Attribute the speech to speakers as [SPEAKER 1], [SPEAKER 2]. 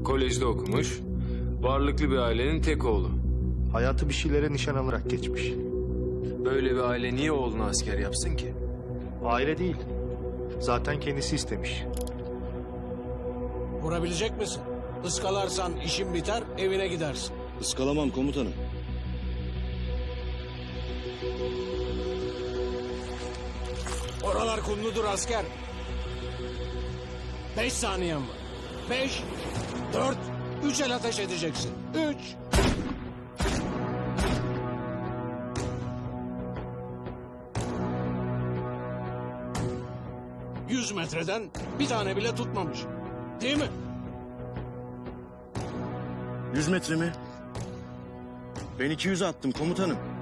[SPEAKER 1] Kolejde okumuş. Varlıklı bir ailenin tek oğlu.
[SPEAKER 2] Hayatı bir şeylere nişan alarak geçmiş.
[SPEAKER 1] Böyle bir aile niye oğlunu asker yapsın ki?
[SPEAKER 2] Aile değil. Zaten kendisi istemiş.
[SPEAKER 3] Vurabilecek misin? Iskalarsan işin biter, evine gidersin.
[SPEAKER 4] Iskalamam komutanım.
[SPEAKER 3] Oralar kumludur asker. 5 saniyen var. 5, 4, 3 el ateş edeceksin. 3. ...100 metreden bir tane bile tutmamış. Değil mi?
[SPEAKER 4] 100 metre mi? Ben 200 attım komutanım.